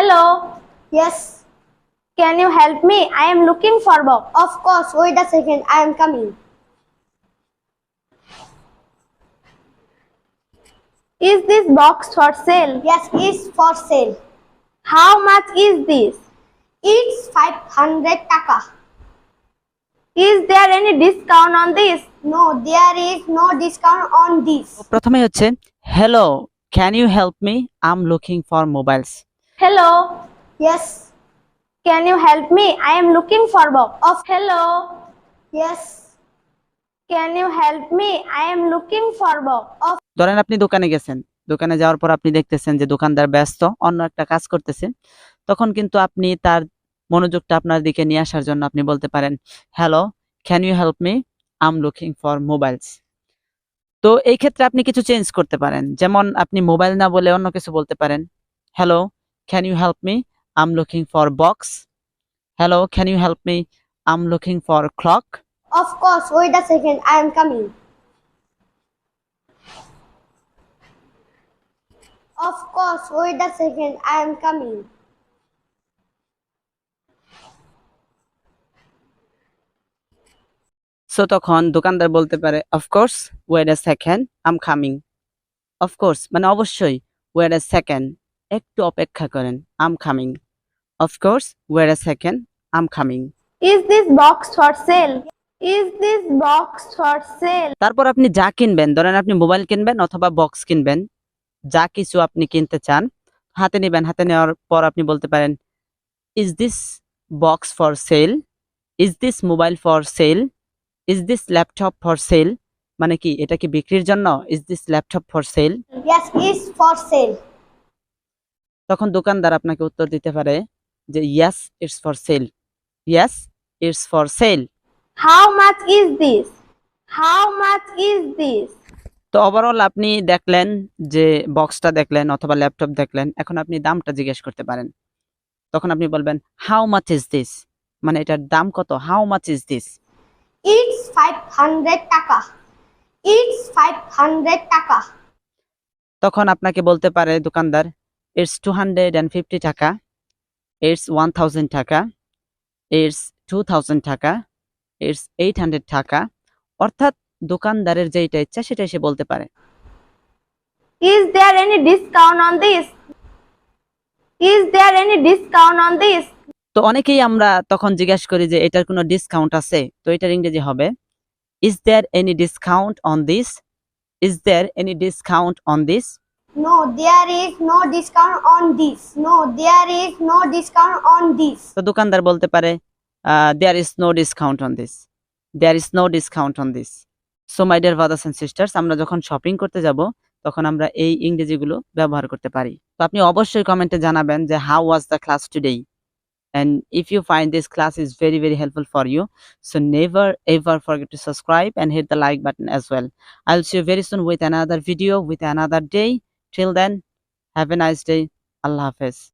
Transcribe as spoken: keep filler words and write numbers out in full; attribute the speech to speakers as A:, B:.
A: Hello.
B: Yes.
A: Can you help me? I am looking for box.
B: Of course. Wait a second. I am coming.
A: Is this box for sale?
B: Yes, it's for sale.
A: How much is this?
B: It's five hundred taka.
A: Is there any discount on this?
B: No, there is no discount on this.
C: প্রথমে হচ্ছে hello can you help me I am looking for mobiles.
A: Hello.
B: Yes.
A: Can you help me? I am looking for box.
B: Of
A: Hello.
B: Yes.
A: Can you help me? I am looking for box.
B: Of
C: ধরেন আপনি দোকানে গেছেন, দোকানে যাওয়ার পর আপনি দেখতেছেন যে দোকানদার ব্যস্ত অন্য একটা কাজ করতেছে, তখন কিন্তু আপনি তার মনোযোগটা আপনার দিকে নিয়ে আসার জন্য আপনি বলতে পারেন hello can you help me I am looking for mobiles. তো এই ক্ষেত্রে আপনি কিছু চেঞ্জ করতে পারেন, যেমন আপনি মোবাইল না বলে অন্য কিছু বলতে পারেন hello can you help me I am looking for box. Hello can you help me I am looking for clock.
B: of course. Wait a second. I am coming. Of course. Wait a second. I am coming.
C: So তখন দোকানদার বলতে পারে of course wait a second I am coming. Of course মানে অবশ্যই, wait a second একটু অপেক্ষা করেন, I am coming. Of course wait a second I am coming.
A: Is this box for sale? Is this box for sale?
C: তারপর আপনি যা কিনবেন, ধরেন আপনি মোবাইল কিনবেন অথবা বক্স কিনবেন, যা কিছু আপনি কিনতে চান হাতে নেবেন। হাতে নেওয়ার পর আপনি বলতে পারেন is this box for sale, is this mobile for sale, is this laptop for sale, মানে কি এটা কি বিক্রির জন্য, is this laptop for sale.
B: Yes, it's for sale.
C: তখন দোকানদার আপনাকে উত্তর দিতে পারে যে yes it's for sale, yes it's for sale.
A: How much is this? How much is this?
C: তো ওভারঅল আপনি দেখলেন যে বক্সটা দেখলেন অথবা ল্যাপটপ দেখলেন, এখন আপনি দামটা জিজ্ঞেস করতে পারেন। তখন আপনি বলবেন হাউ মাচ ইজ দিস, মানে এটার দাম কত, how much is this.
B: It's five hundred taka. It's five hundred taka.
C: তখন আপনাকে বলতে পারে দোকানদার it's two hundred and fifty টাকা, ইটস ওয়ান থাউজেন্ড টাকা, ইটস টু থাউজেন্ড টাকা, ইটস এইট হান্ড্রেড টাকা। অর্থাৎ দোকানদারের যেটা ইচ্ছা সেটাই সে বলতে পারে।
A: Is there any discount on this? Is there any discount on this?
C: তো অনেকেই আমরা তখন জিজ্ঞাসা করি যে এটার কোনো ডিসকাউন্ট আছে, তো এটার ইংরেজি হবে is there any discount on this, is there any discount on this.
B: No, there is no discount on this. No, there is no discount on this.
C: তো দোকানদার বলতে পারে there is no discount on this, there is no discount on this. So my dear brothers and sisters, আমরা যখন shopping করতে যাব তখন আমরা এই ইংরেজিগুলো ব্যবহার করতে পারি। তো আপনি অবশ্যই কমেন্টে জানাবেন যে how was the class today, and if you find this class is very very helpful for you, so never ever forget to subscribe and hit the like button as well. I'll see you very soon with another video with another day. Till then, have a nice day. Allah Hafiz.